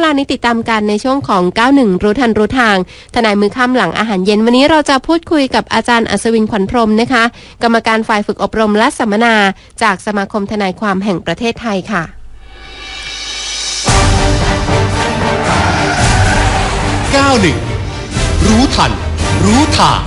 ลานี้ติดตามกันในช่วงของ91รู้ทันรู้ทางทนายมือค่ำหลังอาหารเย็นวันนี้เราจะพูดคุยกับอาจารย์อัศวินขวัญพรหมนะคะกรรมการฝ่ายฝึกอบรมและสัมมนาจากสมาคมทนายความแห่งประเทศไทยค่ะ 91รู้ทันรู้ทาง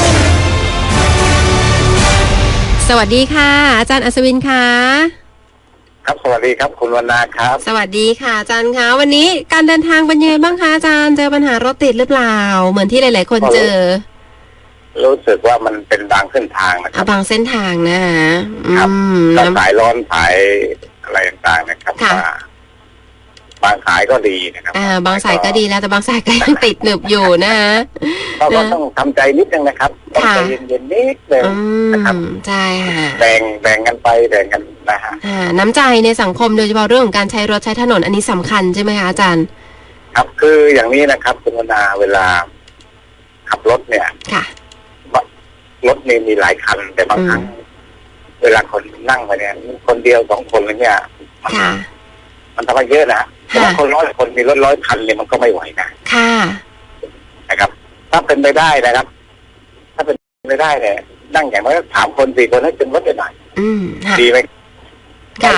สวัสดีค่ะอาจารย์อัศวินค่ะครับสวัสดีครับคุณวรรณาครับสวัสดีค่ะอาจารย์คะวันนี้การเดินทางเป็นยังไงบ้างคะอาจารย์เจอปัญหารถติดหรือเปล่าเหมือนที่หลายๆคนเจอรู้สึกว่ามันเป็นบางเส้นทางนะครับบางเส้นทางนะคะครับสายร้อนสายอะไรต่างๆนะครับบางสายก็ดีนะครับบางสายก็ดีแล้วแต่บางสายก็ยังติดหนึบอยู่นะคะก็ต้องทำใจนิดนึงนะครับต้องใจเย็นๆนิดนึงนะครับใช่ค่ะแบ่งกันไปแบ่งกันนะฮะน้ำใจในสังคมโดยเฉพาะเรื่องของการใช้รถใช้ถนนอันนี้สำคัญใช่ไหมคะอาจารย์ครับคืออย่างนี้นะครับคุณวรรณาเวลาขับรถเนี่ยรถมีหลายคันแต่บางครั้งเวลาคนนั่งไปเนี่ยคนเดียว2 คนเนี่ยมันทำให้เยอะนะบางคน100 คนมีรถ100 คันเนี่ยมันก็ไม่ไหวนะค่ะนะครับถ้าเป็นไปได้นะครับถ้าเป็นไปได้เนี่ยนั่งอย่างน้อย3 คน4 คนให้จนรถได้หน่อยดีไหมค่ะ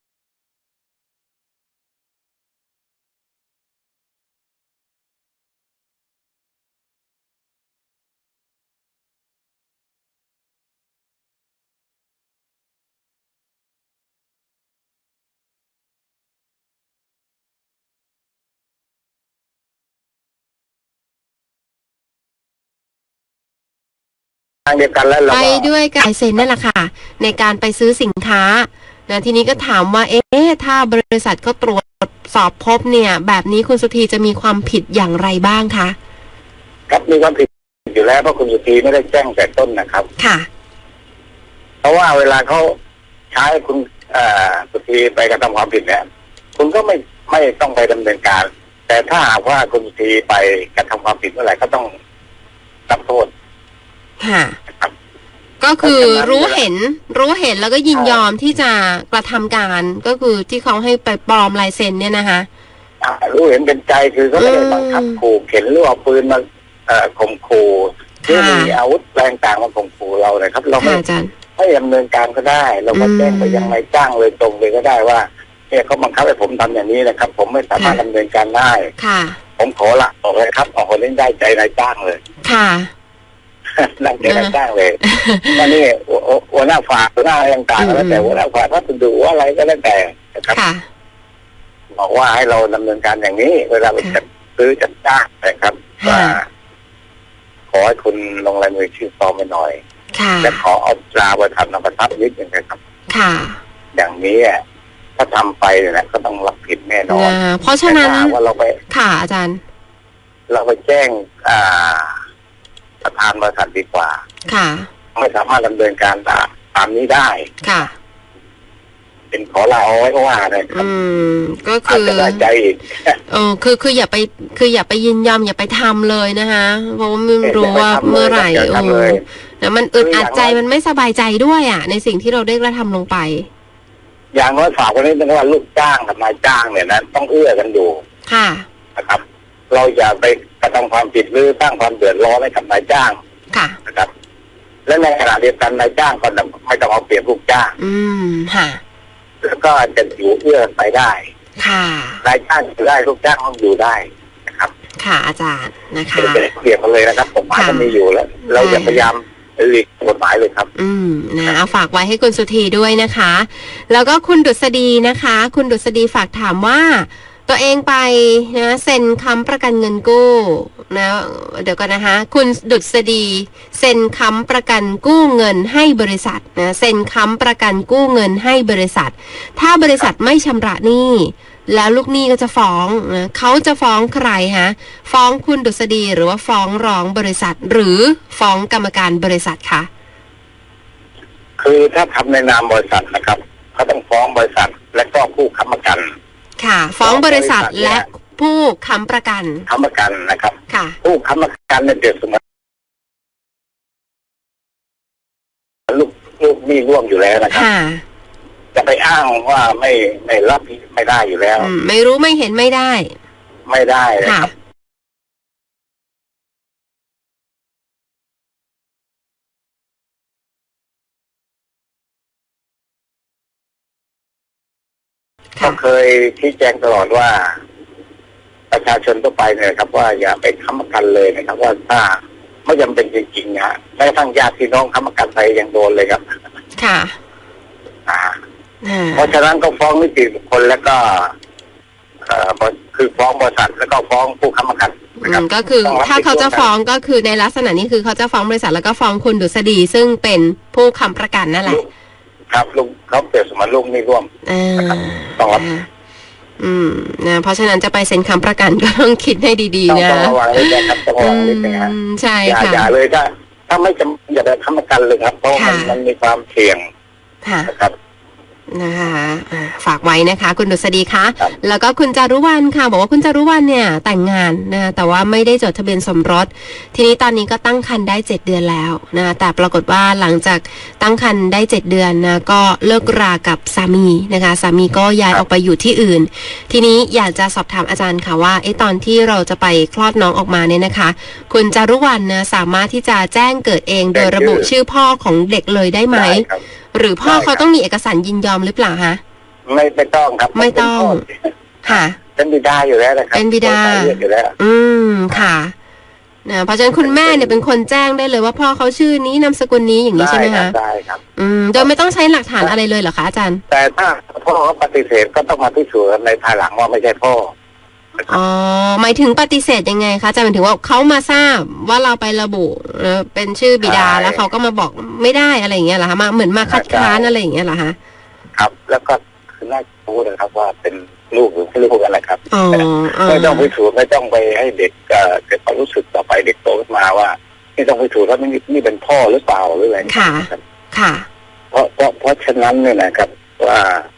ทางเดียวกันแล้วไปด้วยกันเซ็นนั่นแหละค่ะในการไปซื้อสินค้านะทีนี้ก็ถามว่าถ้าบริษัทเขาตรวจสอบพบเนี่ยแบบนี้คุณสุธีจะมีความผิดอย่างไรบ้างคะครับมีความผิดอยู่แล้วเพราะคุณสุธีไม่ได้แจ้งแต่ต้นนะครับค่ะเพราะว่าเวลาเขาใช้คุณสุธีไปกระทำความผิดเนี่ยคุณก็ไม่ต้องไปดำเนินการแต่ถ้าหากว่าคุณสุธีไปกระทำความผิดเมื่อไหร่ก็ต้องรับโทษค่ะก็คือรู้เห็นแล้วก็ยินยอมที่จะกระทำการก็คือที่เขาให้ไปปลอมลายเซ็นเนี่ยนะคะรู้เห็นเป็นใจคือเขาไม่ได้บังคับขู่เข็นหรือเอาปืนมาข่มขู่หรือมีอาวุธแรงต่างมาข่มขู่เราเลยครับเราไม่ดำเนินการก็ได้เราก็แจ้งไปยังนายจ้างเลยตรงเลยก็ได้ว่าเนี่ยเขาบังคับให้ผมทำอย่างนี้นะครับผมไม่สามารถดำเนินการได้ผมขอละออกเลยครับออกคนนี้ได้ใจนายจ้างเลยค่ะนั่งเจรจาเลยตอนนี้หัวหน้าฝ่ายหัวหน้าต่างๆแล้วแต่หัวหน้าฝ่ายถ้าคุณดูว่าอะไรก็แล้วแต่นะครับบอกว่าให้เราดำเนินการอย่างนี้เวลาไปจัดซื้อจัดจ้างนะครับว่าขอให้คุณลงลายมือชื่อปลอมไปหน่อยและขอเอาตราประทับนำประทับนิดนึงนะครับอย่างนี้ถ้าทำไปเนี่ยก็ต้องรับผิดแน่นอนเพราะฉะนั้นว่าเราไปค่ะอาจารย์เราไปแจ้งประธานบริษัทดีกว่าไม่สามารถดำเนินการตามนี้ได้ค่ะเป็นขอลาเอาไว้ก็ว่าเลยก็คือได้ใจอีกคืออย่าไปยินยอมอย่าไปทำเลยนะคะเพราะว่าไม่รู้ว่าเมื่อไหร่แล้วมันอึดอัดใจมันไม่สบายใจด้วยในสิ่งที่เราได้กระทำลงไปอย่างน้อยฝากไว้นิดนึงว่าลูกจ้างกับนายจ้างเนี่ยนะต้องเอื้อกันอยู่ค่ะนะครับเราอย่าไปกระทำความผิดหรือสร้างความเดือดร้อนให้กับนายจ้างนะครับและในขณะเดียวกันนายจ้างก็ไม่ต้องเอาเปรียบลูกจ้างค่ะแล้วก็จะอยู่เอื้อไปได้ค่ะนายจ้างอยู่ได้ลูกจ้างต้องอยู่ได้นะครับค่ะอาจารย์นะคะเปรียบกันเลยนะครับกฎหมายก็มีอยู่แล้วเราอย่าพยายามหลีกกฎหมายเลยครับเอาฝากไว้ให้คุณสุธีด้วยนะคะแล้วก็คุณดุษฎีนะคะคุณดุษฎีฝากถามว่าตัวเองไปนะเซ็นค้ำประกันเงินกู้นะเดี๋ยวก่อนนะคะคุณดุษฎีเซ็นค้ำประกันกู้เงินให้บริษัทนะเซ็นค้ำประกันกู้เงินให้บริษัทถ้าบริษัทไม่ชำระหนี้แล้วลูกหนี้ก็จะฟ้องนะเขาจะฟ้องใครฮะฟ้องคุณดุษฎีหรือว่าฟ้องร้องบริษัทหรือฟ้องกรรมการบริษัทคะคือถ้าทำในนามบริษัทนะครับเขาต้องฟ้องบริษัทและก็ผู้ค้ำประกันค่ะฟ้องบริษัทและผู้ค้ำประกันนะครับค่ะผู้ค้ำประกันเนี่ยเปรียบเสมือนลูกหนี้ร่วมอยู่แล้วนะครับจะไปอ้างว่าไม่รับไม่ได้อยู่แล้วไม่รู้ไม่เห็นไม่ได้ไม่ได้เลยค่ะครับก็เคยชี้แจงตลอดว่าประชาชนทั่วไปเนี่ยครับว่าอย่าไปค้ำประกันเลยนะครับว่าถ้าไม่จำเป็นจริงๆนะแม้กระทั่งญาติพี่น้องค้ำประกันไปยังโดนเลยครับค่ะอ่าอ่าเพราะฉะนั้นก็ฟ้องนิติบุคคลแล้วก็คือฟ้องบริษัทแล้วก็ฟ้องผู้ค้ำประกันนะครับก็คือถ้าเขาจะฟ้องก็คือในลักษณะนี้คือเขาจะฟ้องบริษัทแล้วก็ฟ้องคุณดุษฎีซึ่งเป็นผู้ค้ำประกันนั่นแหละครับลุงเขาเปรียบเสมือนลุงนี่ร่วม ต้องรับนะเพราะฉะนั้นจะไปเซ็นค้ำประกันก็ต้องคิดให้ดีๆนะต้องระวังนิดนะครับต้องระวังนิดนะฮะใช่อย่าค่ะอย่าเลยถ้าไม่จำอย่าไปค้ำประกันเลยครับเพราะมันมีความเสี่ยงค่ะนะครับนะคะฝากไว้นะคะ คุณดุษฎีคะครับแล้วก็คุณจารุวรรณค่ะบอกว่าคุณจารุวรรณเนี่ยแต่งงานนะแต่ว่าไม่ได้จดทะเบียนสมรสทีนี้ตอนนี้ก็ตั้งครรภ์ได้7 เดือนแล้วนะแต่ปรากฏว่าหลังจากตั้งครรภ์ได้7 เดือนนะก็เลิกรากับสามีนะคะสามีก็ย้ายออกไปอยู่ที่อื่น ทีนี้อยากจะสอบถามอาจารย์ค่ะว่าตอนที่เราจะไปคลอดน้องออกมาเนี่ยนะคะคุณจารุวรรณนะสามารถที่จะแจ้งเกิดเองโดยระบุชื่อพ่อของเด็กเลยได้ไหมได้ครับหรือพ่อเขาต้องมีเอกสารยินยอมหรือเปล่าคะไม่ต้องครับไม่ต้อง ค่ะเป็นบิดาอยู่แล้วนะครับเป็นบิดาคนไทยเรียกอยู่แล้วค่ะนะเพราะฉะนั้นคุณแม่เนี่ยเป็นคนแจ้งได้เลยว่าพ่อเขาชื่อนี้นามสกุลนี้อย่างนี้ใช่ไหมคะได้ครับโดยไม่ต้องใช้หลักฐานอะไรเลยเหรอคะอาจารย์แต่ถ้าพ่อเขาปฏิเสธก็ต้องมาพิสูจน์ในภายหลังว่าไม่ใช่พ่ออ๋อหมายถึงปฏิเสธยังไงคะอาจารย์หมายถึงว่าเขามาทราบว่าเราไประบุเป็นชื่อบิดาใช่แล้วเขาก็มาบอกไม่ได้อะไรอย่างเงี้ยเหรอคะมาเหมือนมาคัดค้านอะไรอย่างเงี้ยเหรอคะครับ แล้วก็คือน่ารู้นะครับว่าเป็นลูกหรือไม่ลูกอะไรครับอ๋อไม่ต้องพิสูจน์ไม่ต้องไปให้เด็กเกิดความรู้สึกต่อไปเด็กโตขึ้นมาว่าไม่ต้องพิสูจน์ว่านี่เป็นพ่อหรือเปล่าหรืออะไรค่ะครับค่ะเพราะฉะนั้นเนี่ยนะครับว่า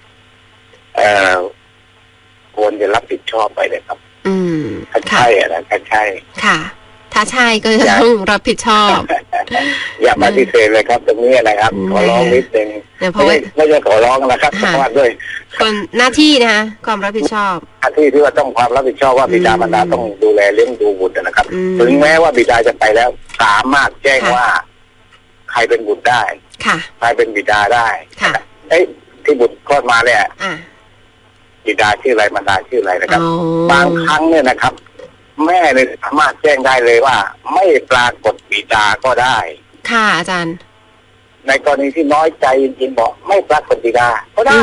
ควรจะรับผิดชอบไปเลยครับ ถ้าค่ะใช่อะนะถ้าใช่ค่ะ ถ้าใช่ก็จะต้องรับผิดชอบอย่าปฏิเสธเลยครับตรงนี้นะครับ ขอร้องนิดนึงเนี่ยเพราะว่าไม่ใช่ขอร้องนะครับค่ะเพราะว่าด้วยคนหน้าที่นะคะความรับผิดชอบหน้าที่ที่ว่าต้องความรับผิดชอบว่าบิดามารดาต้องดูแลเลี้ยงดูบุตรนะครับ ถึงแม้ว่าบิดาจะไปแล้ว สามารถแจ้งค่ะว่า ใครเป็นบุตรได้ค่ะใครเป็นบิดาได้ค่ะที่บุตรคลอดมาเนี่ยอ่าบิดาชื่ออะไรมารดาชื่ออะไรนะครับอ๋อบางครั้งเนี่ยนะครับ แม่เนี่ยสามารถแจ้งได้เลยว่า ไม่ปรากฏบิดาก็ได้ค่ะอาจารย์ในกรณีที่น้อยใจจริงๆบอกไม่ปรากฏบิดาก็ได้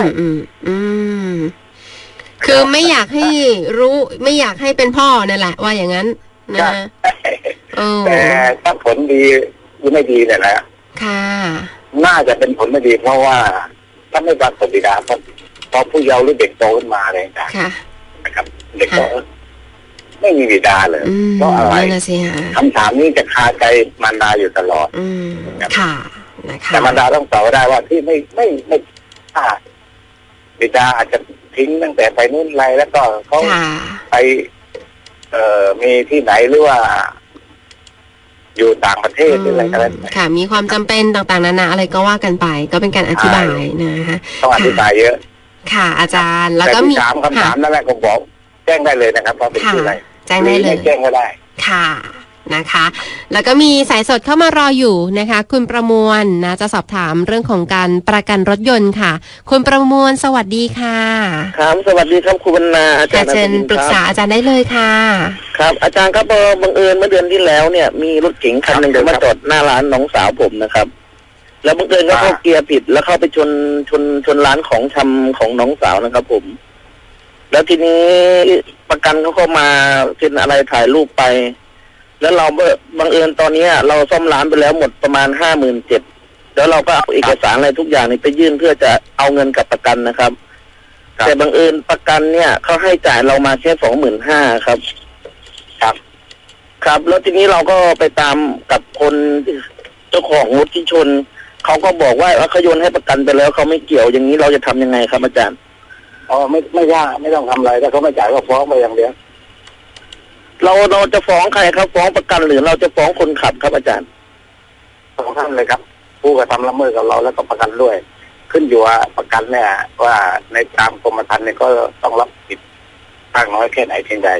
คือไม่อยากให้รู้ไม่อยากให้เป็นพ่อนั่นแหละว่าอย่างนั้นนะใช่ แต่ถ้าผลดีหรือไม่ดีเนี่ยนะค่ะน่าจะเป็นผลไม่ดี เพราะว่าถ้าไม่ปรากฏบิดาพอผู้เยาว์หรือเด็กโตขึ้นมาอะไรต่างค่ะๆนะครับ เด็กก็ไม่มีบิดาเลย เพราะอะไรนั่นน่ะสิฮะคำถามนี้จะคาใจมารดาอยู่ตลอดค่ะนะคะแต่มารดาต้องตอบได้ว่าที่ไม่บิดาอาจจะทิ้งตั้งแต่ไปนู่นไรแล้วก็เขาค่ะไปมีที่ไหนหรือว่า อยู่ต่างประเทศหรืออะไรก็แล้วแต่ค่ะ มีความจำเป็นต่างๆนานาอะไรก็ว่ากันไป ก็เป็นการอธิบายนะคะต้องอธิบายเยอะค่ะ อาจารย์แล้วแต่ก็มีที่ถามคำถามนั่นแหละผมบอก แจ้งได้เลยนะครับว่าเป็นค่ะชื่ออะไรแจ้งได้เลยไม่แจ้งก็ได้ค่ะนะคะ แล้วก็มีสายสดเข้ามารออยู่นะคะ คุณประมวลนะจะสอบถามเรื่องของการประกันรถยนต์ค่ะ คุณประมวลสวัสดีค่ะครับสวัสดีครับครูบรรณาอาจารย์เชิญปรึกษาอาจารย์ได้เลยค่ะครับอาจารย์ครับบังเอิญเมื่อเดือนที่แล้วเนี่ยมีรถเก๋งคันหนึ่งครับมาจอดหน้าร้านน้องสาวผมนะครับ แล้วบังเอิญก็เข้าเกียร์ผิดแล้วเข้าไปชนร้านของชำของน้องสาวนะครับผม แล้วทีนี้ประกันเขาก็มาเซ็นอะไรถ่ายรูปไป แล้วเราบังเอิญตอนนี้เราซ่อมร้านไปแล้วหมดประมาณ57,000แล้วเราก็เอาเอกสารอะไรทุกอย่างนี่ไปยื่นเพื่อจะเอาเงินกับประกันนะครับครับแต่บังเอิญประกันเนี่ยเขาให้จ่ายเรามาแค่25,000ครับครับครับ แล้วทีนี้เราก็ไปตามกับคนเจ้าของรถที่ชนเขาก็บอกว่าเขาโยนให้ประกันไปแล้วเขาไม่เกี่ยวอย่างนี้เราจะทำยังไงครับอาจารย์อ๋อไม่ยากไม่ต้องทำอะไรถ้าเขาไม่จ่ายก็ฟ้องไปอย่างเดียวเราจะฟ้องใครครับฟ้องประกันหรือเราจะฟ้องคนขับครับอาจารย์สองท่านเลยครับ ผู้กระทำละเมิดกับเราแล้วก็ประกันด้วย ขึ้นอยู่ว่าประกันเนี่ยว่าในตามกรมธรรม์เนี่ยก็ต้องรับผิดมากน้อยแค่ไหนเพียงใด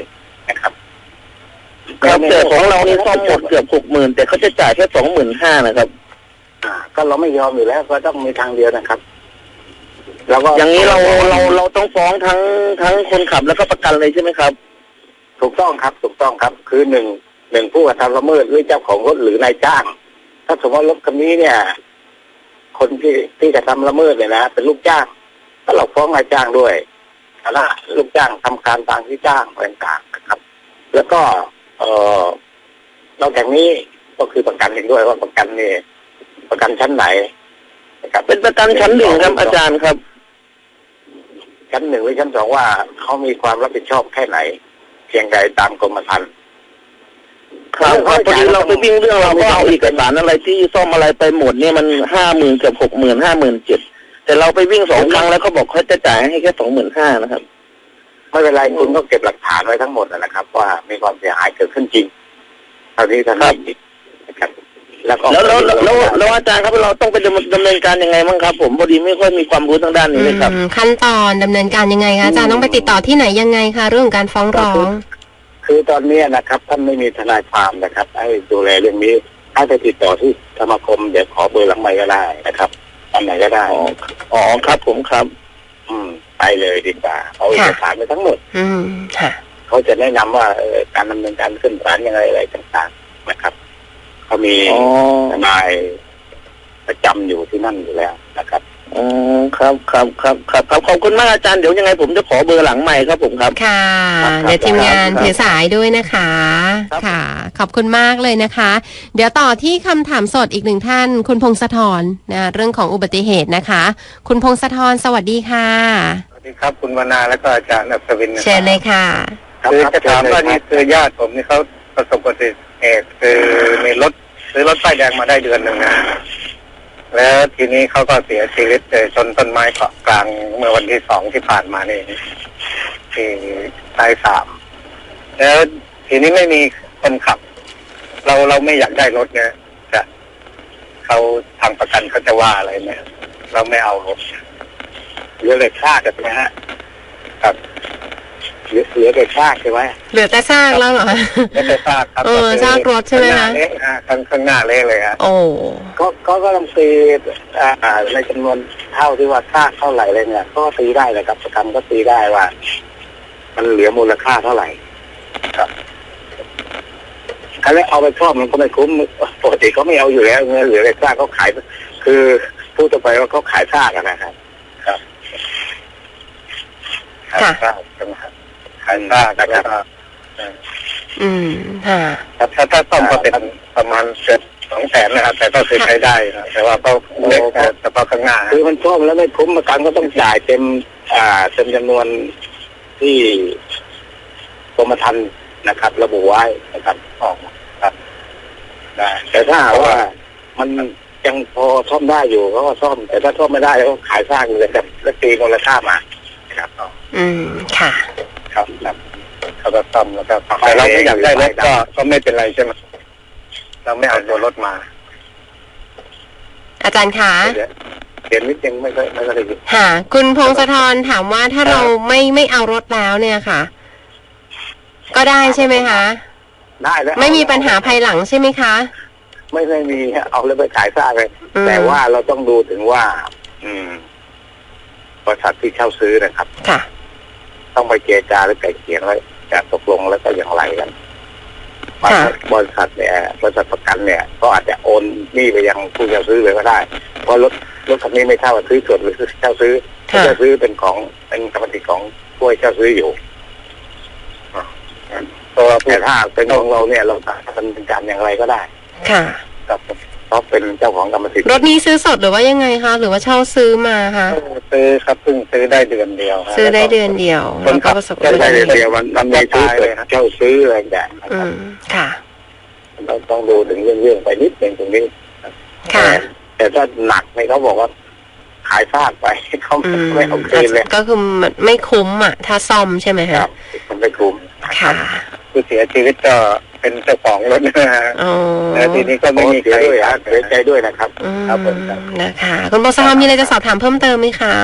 นะครับครับแต่ของเรานี่ซ่อมหมดเกือบ60,000แต่เขาจะจ่ายแค่25,000นะครับก็เราไม่ยอมอยู่แล้วก็ต้องมีทางเดียวนะครับแล้วก็อย่างนี้เราต้องฟ้องทั้งคนขับแล้วก็ประกันเลยใช่ไหมครับถูกต้องครับถูกต้องครับ คือหนึ่งผู้กระทำละเมิดหรือเจ้าของรถหรือนายจ้าง ถ้าสมมติว่ารถคันนี้เนี่ย คนที่กระทำละเมิดเนี่ยนะเป็นลูกจ้างก็เราฟ้องนายจ้างด้วยถ้าลูกจ้างทำการตามที่จ้างต่างๆนะครับ แล้วก็นอกจากนี้ก็คือประกันเองด้วยว่าประกันนี่ประกันชั้นไหนนะครับเป็นประกันชั้น1ครับอาจารย์ครับชั้น1หรือชั้น2ว่าเขามีความรับผิดชอบแค่ไหนเพียงใดตามกรมธรรม์ครับพอดีเราไปวิ่งเรื่องเราก็เอาเอกสารอะไรที่ซ่อมอะไรไปหมดเนี่ยมัน50,000เกือบ60,000 57,000แต่เราไปวิ่ง2 ครั้งแล้วเขาบอกเขาจะจ่ายให้แค่25,000นะครับไม่เป็นไรคุณก็เก็บหลักฐานไว้ทั้งหมดนะครับ ว่ามีความเสียหายเกิดขึ้นจริงเท่านี้เท่านี้นะครับแล้วอาจารย์ครับเราต้องไปดำเนินการยังไงบ้างครับ ผมพอดีไม่ค่อยมีความรู้ทางด้านนี้เลยครับขั้นตอนดำเนินการยังไงคะอาจารย์ต้องไปติดต่อที่ไหนยังไงคะเรื่องของการฟ้องร้องคือตอนนี้นะครับท่านไม่มีทนายความนะครับให้ดูแลเรื่องนี้ให้ไปติดต่อที่สมาคมเดี๋ยวขอเบอร์หลังไมค์ก็ได้นะครับอันไหนก็ได้อ๋อครับผมครับไปเลยดีกว่าเอาเอกสารไปทั้งหมดค่ะเขาจะแนะนำว่าการดำเนินการขึ้นศาลยังไงอะไรต่างๆนะครับเขามีทนายประจำอยู่ที่นั่นอยู่แล้วนะครับครับขอบคุณมากอาจารย์เดี๋ยวยังไงผมจะขอเบอร์หลังใหม่ครับผมครับค่ะเดี๋ยวทีมงานถือสายด้วยนะคะค่ะขอบคุณมากเลยนะคะเดี๋ยวต่อที่คำถามสดอีกหนึ่งท่านคุณพงศธรนะเรื่องของอุบัติเหตุนะคะคุณพงศธรสวัสดีค่ะสวัสดีครับคุณวนาและก็อาจารย์อัศวินเชิญเลยค่ะคือจะถามว่านี่คือญาติผมนี่เขาประสบอุบัติเหตุคือมีซื้อรถป้ายแดงมาได้เดือนหนึ่งนะแล้วทีนี้เขาก็เสียชีวิตชนต้นไม้เกาะกลางเมื่อวันที่2ที่ผ่านมานี่ที่สาย3แล้วทีนี้ไม่มีคนขับเราไม่อยากได้รถเนี่ยจะเขาทางประกันเขาจะว่าอะไรไหมเราไม่เอารถเหลือแต่ซากใช่ไหมฮะครับเหลือแต่ซากใช่ไหมเหลือแต่ซากแล้วเหรอเหลือแต่ซากครับซากรถใช่ไหมคะข้างหน้าเละเลยฮะโอ้ก็ต้องตีในจำนวนเท่าที่ว่าซากเท่าไหร่เลยเนี่ยก็ตีได้เลยครับประกันก็ตีได้ว่ามันเหลือมูลค่าเท่าไหร่ครับถ้าเอาไปซ่อมมันก็ไม่คุ้มปกติเขาไม่เอาอยู่แล้วเงินเหลือแต่ซากเขาขายคือพูดต่อไปว่าเขาขายซากนะครับครับขายซากนะครับขายซากนะครับถ้าซ่อมก็เป็นประมาณเกือบ200,000นะครับแต่ก็คือใช้ได้นะแต่ว่าก็เล็กแต่พอข้างหน้าคือมันซ่อมแล้วไม่คุ้มประกันก็ต้องจ่ายเต็มจำนวนที่กรมธรรม์นะครับระบุไว้นะครับออกครับได้แต่ถ้าว่ามันยังพอซ่อมได้อยู่เขาก็ซ่อมแต่ถ้าซ่อมไม่ได้ก็ขายซากเลยครับแล้วตีมูลค่ามาครับค่ะครับเขาก็ซ่อมแล้วก็แต่เราไม่อยากได้รถก็ไม่เป็นไรใช่ไหมเราไม่เอาตัวรถมาอาจารย์คะเขียนนิดยังไม่ค่อยได้ยินค่ะคุณพงศธรถามว่าถ้าเราไม่เอารถแล้วเนี่ยค่ะก็ได้ใช่ไหมคะได้แล้วไม่มีปัญหาภายหลังใช่ไหมคะไม่มีเอาเลยไปขายซากเลยแต่ว่าเราต้องดูถึงว่าบริษัทที่เช่าซื้อนะครับค่ะต้องไปเจรจาหรือไกล่เกลี่ยแล้วจะตกลงแล้วก็อย่างไรกันบริษัทเนี่ยบริษัทประกันเนี่ยก็อาจจะโอนหนี้ไปยังผู้เช่าซื้อเลยก็ได้เพราะรถคันนี้ไม่เท่ากับซื้อส่วนหรือเช่าซื้อเช่าซื้อเป็นกรรมสิทธิ์ของผู้เช่าซื้ออยู่แต่ถ้าเป็นของเราเนี่ยเราทำเป็นการอย่างไรก็ได้ค่ะครับเพราะเป็นเจ้าของกรรมสิทธิ์รถนี้ซื้อสดหรือว่ายังไงคะหรือว่าเช่าซื้อมาคะซื้อครับเพิ่งซื้อได้เดือนเดียวซื้อได้เดือนเดียวแล้วก็ประสบการณ์ได้เดือนเดียวมันไม่ซื้อเลยเช่าซื้ออะไรแบบค่ะเราต้องดูถึงเรื่องไปนิดนึงตรงนี้ค่ะแต่ถ้าหนักเนี่ยเขาบอกว่าขายซากไปเขาไม่เอาคืนเลยก็คือมันไม่คุ้มอ่ะถ้าซ่อมใช่ไหมคะมันไม่คุ้มค่ะผู้เสียชีวิตก็เป็นเจ้าของรถนะฮะแล้วทีนี้ก็ไม่มีใครเสียใจด้วยนะครับครับผมนะคะคุณพงศธรมีอะไรจะสอบถามเพิ่มเติมไหมคะ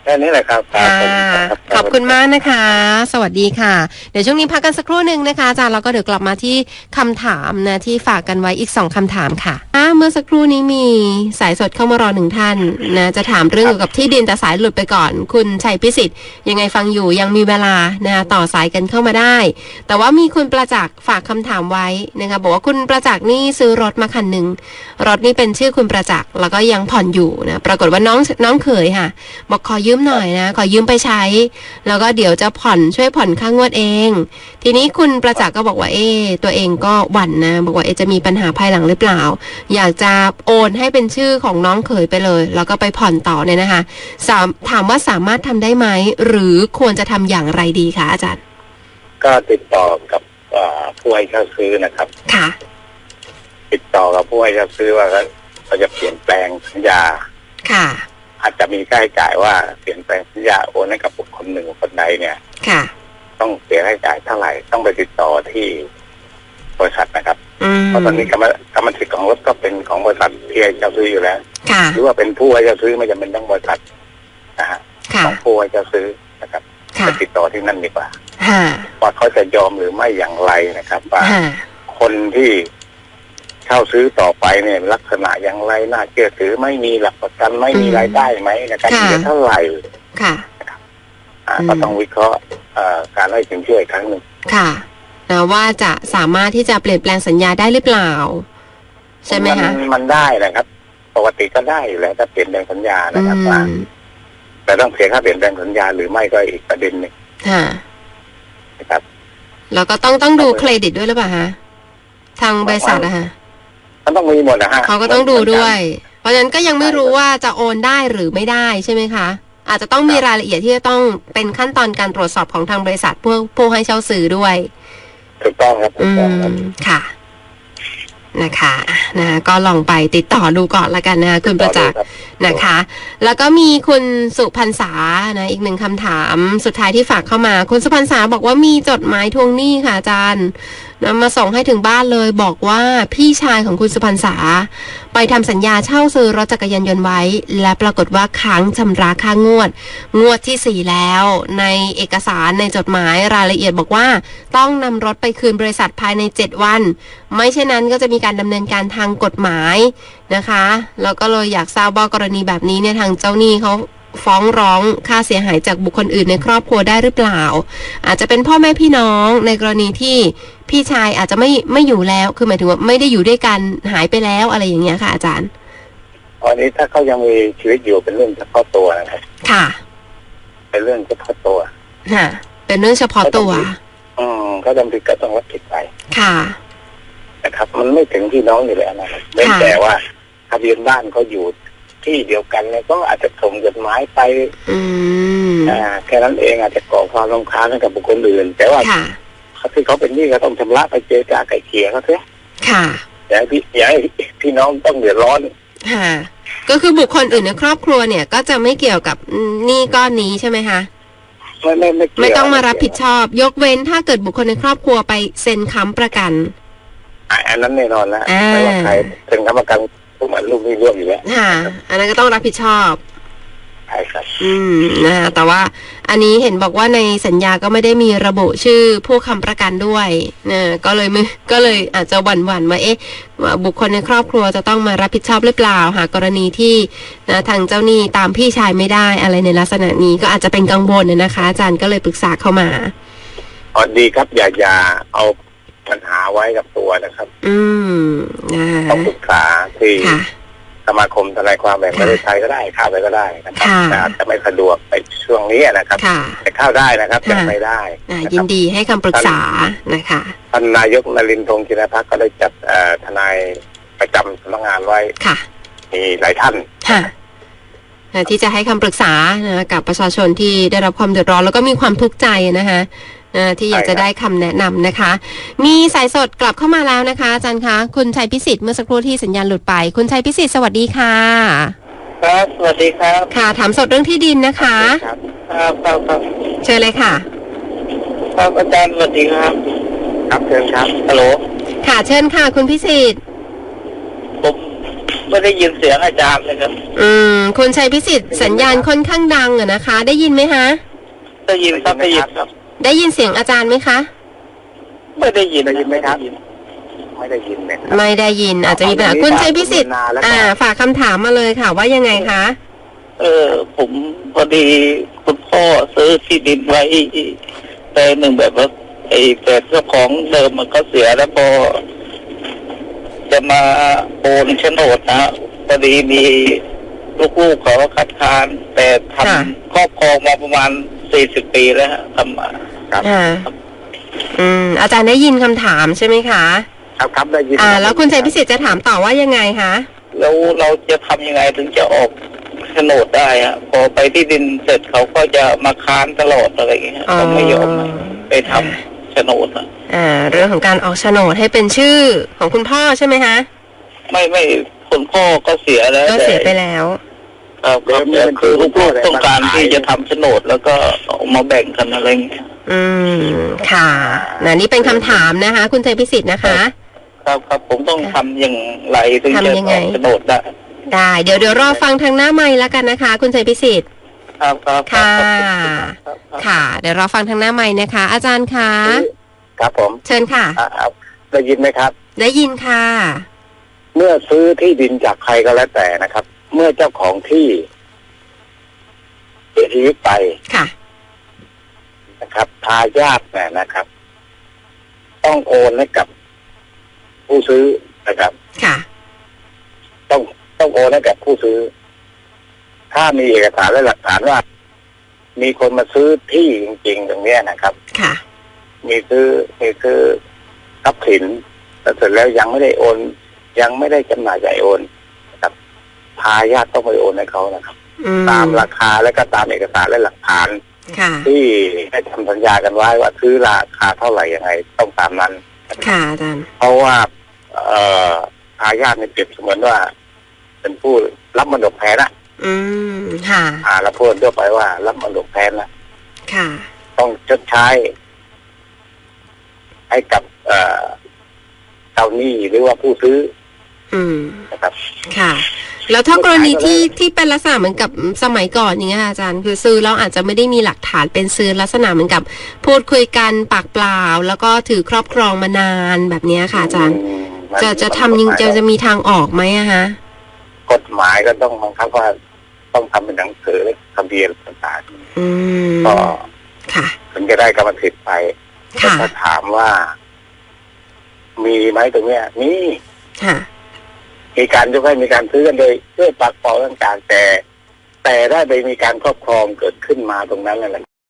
แค่นี้แหละครับค่ะครับขอบคุณมากนะคะ สวัสดีค่ะ เดี๋ยวช่วงนี้พักกันสักครู่หนึ่งนะคะอาจารย์แล้วก็เดี๋ยวกลับมาที่คำถามนะที่ฝากกันไว้อีก2คำถามค่ะเมื่อสักครู่นี้มีสายสดเข้ามารอ1ท่านนะจะถามเรื่องเกี่ยวกับที่ดินแต่สายหลุดไปก่อนคุณชัยพิสิทธิ์ยังไงฟังอยู่ยังมีเวลานะต่อสายกันเข้ามาได้ แต่ว่ามีคุณประจักษ์ฝากคำถามไว้นะคะบอกว่าคุณประจักษ์นี่ซื้อรถมาคันหนึ่งรถนี่เป็นชื่อคุณประจักษ์แล้วก็ยังผ่อนอยู่นะปรากฏว่าน้องเขยค่ะบอกขอยืมหน่อยนะขอยืมไปใช้แล้วก็เดี๋ยวจะช่วยผ่อนค่างวดเองทีนี้คุณประจักษ์ก็บอกว่าตัวเองก็หวั่นนะบอกว่าจะมีปัญหาภายหลังหรือเปล่าอยากจะโอนให้เป็นชื่อของน้องเขยไปเลยแล้วก็ไปผ่อนต่อเนี่ยนะคะถามว่าสามารถทำได้ไหมหรือควรจะทำอย่างไรดีคะอาจารย์ก็ติดต่อกับผู้ให้เช่าซื้อนะครับค่ะติดต่อกับผู้ให้เช่าซื้อว่าเขาจะเปลี่ยนแปลงสัญญาค่ะอาจจะมีค่าใช้จ่ายว่าเปลี่ยนแปลงสัญญาโอนให้กับบุคคลหนึ่งคนใดเนี่ยค่ะต้องเสียค่าใช้จ่ายเท่าไหร่ต้องไปติดต่อที่บริษัทนะครับเพราะตอนนี้กรรมสิทธิ์ของรถก็เป็นของบริษัทที่ให้เช่าซื้ออยู่แล้วหรือว่าเป็นผู้ให้เช่าซื้อไม่จำเป็นต้องบริษัทนะฮะของผู้ให้เช่าซื้อนะครับไปติดต่อที่นั่นดีกว่าว่าเขาจะยอมหรือไม่อย่างไรนะครับว่าคนที่เช่าซื้อต่อไปเนี่ยลักษณะอย่างไรน่าเชื่อถือไม่มีหลักประกันไม่มีรายได้ไหมนะครับจะเท่าไหร่ค่ะก็ต้องวิเคราะห์การให้สินเชื่ออีกครั้งหนึ่งค่ะนะว่าจะสามารถที่จะเปลี่ยนแปลงสัญญาได้หรือเปล่าใช่ไหมคะมันได้นะครับปกติก็ได้อยู่แล้วถ้าเปลี่ยนแปลงสัญญานะครับว่าแต่ต้องเสียค่าเปลี่ยนแปลงสัญญาหรือไม่ก็อีกประเด็นหนึ่งนะครับแล้วก็ต้องดูเครดิตด้วยหรือเปล่าฮะทางบริษัทนะคะมันต้องมีหมดนะฮะเขาก็ต้องดูด้วยเพราะฉะนั้นก็ยังไม่รู้ว่าจะโอนได้หรือไม่ได้ใช่ไหมคะอาจจะต้องมีรายละเอียดที่จะต้องเป็นขั้นตอนการตรวจสอบของทางบริษัทผู้ให้เช่าซื้อด้วยถูกต้องครับถูกต้องครับค่ะนะคะก็ลองไปติดต่อดูก่อนละกันนะคุณประจักษ์นะคะแล้วก็มีคุณสุพรรษานะอีกหนึ่งคำถามสุดท้ายที่ฝากเข้ามาคุณสุพรรษาบอกว่ามีจดหมายทวงหนี้ค่ะอาจารย์นำมาส่งให้ถึงบ้านเลยบอกว่าพี่ชายของคุณสุพรรษาไปทำสัญญาเช่าซื้อรถจักรยานยนต์ไว้และปรากฏว่าค้างชำระค่างวดที่4แล้วในเอกสารในจดหมายรายละเอียดบอกว่าต้องนำรถไปคืนบริษัทภายใน7วันไม่เช่นนั้นก็จะมีการดำเนินการทางกฎหมายนะคะแล้วก็เลยอยากทราบว่ากรณีแบบนี้เนี่ยทางเจ้าหนี้เขาฟ้องร้องค่าเสียหายจากบุคคลอื่นในครอบครัวได้หรือเปล่าอาจจะเป็นพ่อแม่พี่น้องในกรณีที่พี่ชายอาจจะไม่อยู่แล้วคือหมายถึงว่าไม่ได้อยู่ด้วยกันหายไปแล้วอะไรอย่างเงี้ยค่ะอาจารย์ตอนนี้ถ้าเขายังมีชีวิตอยู่เป็นเรื่องเฉพาะตัวนะครับค่ะเป็นเรื่องเฉพาะตัวค่ะเป็นเรื่องเฉพาะตัวเขาดำเนินก็ต้องรับผิดไปค่ะนะครับมันไม่ถึงพี่น้องอยู่แล้วนะครับแต่ว่าทะเบียนบ้านเขาอยู่ที่เดียวกันเนี่ยก็อาจจะส่งจดหมายไปแค่นั้นเองอาจจะก่อความรำคาญให้กับบุคคลอื่นแต่ว่าที่เขาเป็นหนี้ก็ต้องชำระไปเจรจาไกล่เกลี่ยเขาเสียค่ะอย่าให้พี่น้องต้องเดือดร้อนค่ะก็คือบุคคลอื่นในครอบครัวเนี่ยก็จะไม่เกี่ยวกับหนี้ก้อนนี้ใช่ไหมคะไม่ต้องมารับผิดชอบยกเว้นถ้าเกิดบุคคลในครอบครัวไปเซ็นค้ำประกันอันนั้นแน่นอนแล้วไม่ว่าใครเซ็นค้ำประกันเหมือนลูกนี่ร่วมอยู่แล้วค่ะอันนั้นก็ต้องรับผิดชอบใช่ครับนะคะแต่ว่าอันนี้เห็นบอกว่าในสัญญาก็ไม่ได้มีระบุชื่อผู้ค้ำประกันด้วยนะก็เลยอาจจะหวั่นว่าบุคคลในครอบครัวจะต้องมารับผิดชอบหรือเปล่าหากกรณีที่ทางเจ้าหนี้ตามพี่ชายไม่ได้อะไรในลักษณะนี้ก็อาจจะเป็นกังวลนะคะอาจารย์ก็เลยปรึกษาเข้ามาดีครับอย่าเอาปัญหาไว้กับตัวนะครับต้องปรึกษาที่สมาคมทนายความแห่งประเทศไทยก็ได้เข้าไปก็ได้นะครับแต่อาจจะไม่สะดวกไปช่วงนี้นะครับแต่เข้าได้นะครับแต่ไม่ได้ยินดีให้คำปรึกษานะคะท่านนายกนรินทร์ ธงจินภักดิ์ก็ได้จัดทนายประจำสำนักงานไว้มีหลายท่านที่จะให้คำปรึกษากับประชาชนที่ได้รับความเดือดร้อนแล้วก็มีความทุกข์ใจนะคะที่อยากจะได้คำแนะนำนะคะมีสายสดกลับเข้ามาแล้วนะคะอาจารย์คะคุณชัยพิสิทธิ์เมื่อสักครู่ที่สัญญาณหลุดไปคุณชัยพิสิทธิ์สวัสดีค่ะครับสวัสดีครับค่ะถามสดเรื่องที่ดินนะคะครับเชิญเลยค่ะครับอาจารย์สวัสดีครับครับเชิญครับฮัลโหลค่ะเชิญค่ะคุณพิสิทธิ์ผมไม่ได้ยินเสียงอาจารย์เลยครับคุณชัยพิสิทธิ์สัญญาณค่อนข้างดังอะนะคะ ได้ยินไหมคะได้ยินครับได้ยินครับได้ยินเสียงอาจารย์ไหมคะไม่ได้ยินได้ยินไหมครับ ไม่ได้ยินเลยครับไม่ได้ยินอาจจะมีปัญหาคุณชัยพิสิทธิ์ฝากคำถามมาเลยค่ะว่ายังไงคะผมพอดีคุณพ่อซื้อที่ดินไว้แปลงหนึ่งแบบว่าแต่เจ้าของเดิมมันก็เสียแล้วพอจะมาโอนโฉนดนะพอดีมีลูกๆเขาคัดค้านแต่ทำครอบครองมาประมาณ40 ปีแล้วฮะทำมาครับอาจารย์ได้ยินคำถามใช่ไหมคะครับได้ยินแล้วคุณชัยพิสิทธิ์จะถามต่อว่ายังไงคะแล้วเราจะทำยังไงถึงจะออกโฉนดได้ฮะพอไปที่ดินเสร็จเขาก็จะมาค้านตลอดอะไรอย่างเงี้ยเขาไม่ยอมไปทำโฉนดนะเรื่องของการออกโฉนดให้เป็นชื่อของคุณพ่อใช่ไหมคะไม่คุณพ่อก็เสียแล้วก็เสียไปแล้วครับแต่คือลูกๆต้องการที่จะทำโฉนดแล้วก็เอามาแบ่งกันอะไรเงี้ยค่ะนี่เป็นคำถามนะคะ คุณชัยพิสิทธิ์นะคะครับผมต้องทำอย่างไรถึงจะออกโฉนดได้ได้เดี๋ยวรอฟังทางหน้าไมค์แล้วกันนะคะ คุณชัยพิสิทธิ์ครับค่ะครับค่ะ เดี๋ยวรอฟังทางหน้าไมค์นะคะ อาจารย์คะครับผมเชิญค่ะได้ยินไหมครับได้ยินค่ะเมื่อซื้อที่ดินจากใครก็แล้วแต่นะครับ เมื่อเจ้าของที่เสียชีวิตไปค่ะนะครับทายาทเนี่ยนะครับ ต้องโอนให้กับผู้ซื้อนะครับค่ะต้องโอนให้กับผู้ซื้อ ถ้ามีเอกสารและหลักฐานว่า มีคนมาซื้อที่จริงๆตรงเนี้ยนะครับค่ะมีซื้อทรัพย์สินแต่เสร็จแล้วยังไม่ได้โอน ยังไม่ได้จำหน่ายจ่ายโอนนะครับทายาทต้องไปโอนให้เขานะครับ ตามราคาและก็ตามเอกสารและหลักฐานค่ะที่ได้ทำสัญญากันไว้ว่าซื้อราคาเท่าไหร่ยังไงต้องตามนั้นค่ะอาจารย์เพราะว่าทายาทเนี่ยเปรียบเสมือนว่า เป็นผู้รับมรดกแทนนะค่ะแล้วพูดทั่วไปว่ารับมรดกแทนนะค่ะต้องชดใช้ ให้กับเจ้าหนี้หรือว่าผู้ซื้อนะครับค่ะ แล้วถ้ากรณีที่เป็นลักษณะเหมือนกับสมัยก่อนอย่างเงี้ยอาจารย์คือซื้อแล้วอาจจะไม่ได้มีหลักฐานเป็นซื้อลักษณะเหมือนกับพูดคุยกันปากเปล่า แล้วก็ถือครอบครองมานานแบบนี้ค่ะอาจารย์จะทำยังจะมีทางออกไหมอะฮะกฎหมายก็ต้องบังคับว่าต้องทำเป็นหนังสือและทะเบียนต่างๆก็ค่ะถึงจะได้กรรมสิทธิ์ไปถ้าถามว่า มีไหมตรงเนี้ยมีค่ะมีการยกให้มีการซื้อกันโดยด้วยปากเปล่าต่างๆแต่ได้ไปมีการครอบครองเกิดขึ้นมาตรงนั้นนั่นแหละ